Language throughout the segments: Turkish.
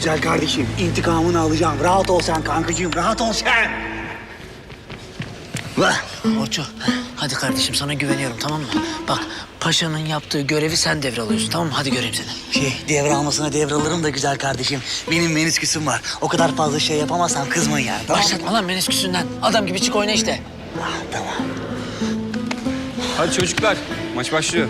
güzel kardeşim. İntikamını alacağım. Rahat ol sen kankacığım. Rahat ol sen. Vah. Orço, hadi kardeşim sana güveniyorum, tamam mı? Bak, paşanın yaptığı görevi sen devralıyorsun, tamam mı? Hadi göreyim seni. Devralmasına devralırım da güzel kardeşim. Benim menisküsüm var. O kadar fazla şey yapamazsam kızmayın yani. Tamam mı? Başlatma lan menisküsünden. Adam gibi çık oyna işte. Ah, tamam. Hadi çocuklar, maç başlıyor.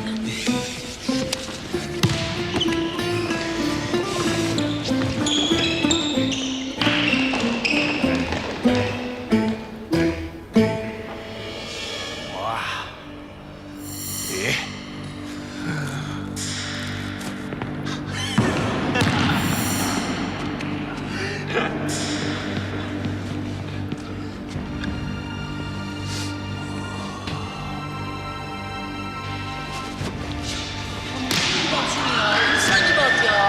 Sen gibi at ya.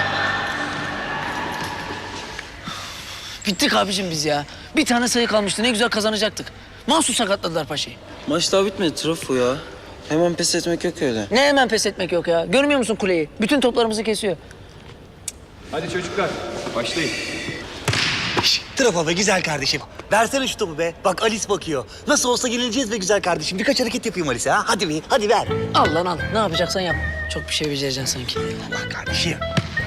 Bittik abicim biz ya. Bir tane sayı kalmıştı, ne güzel kazanacaktık. Mahsus sakatladılar paşayı. Maç daha bitmedi Trafo ya. Hemen pes etmek yok öyle. Ne hemen pes etmek yok ya. Görmüyor musun kuleyi? Bütün toplarımızı kesiyor. Hadi çocuklar, başlayın. Trafo be güzel kardeşim. Versene şu topu be. Bak Alice bakıyor. Nasıl olsa yenileceğiz be güzel kardeşim. Birkaç hareket yapayım Alice'e ha. Hadi bir, hadi ver. Al lan al. Ne yapacaksan yap. Çok bir şey becereceksin sanki. Allah kardeşim.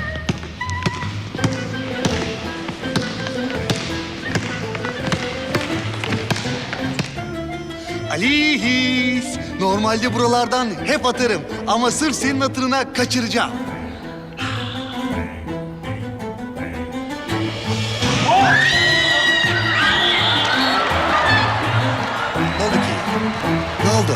Alice. Normalde buralardan hep atarım. Ama sırf senin hatırına kaçıracağım. Ne oldu ki? Ne oldu?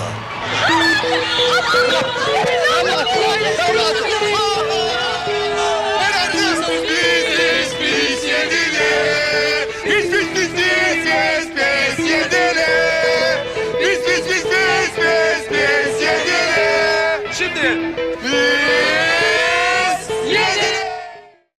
Şimdi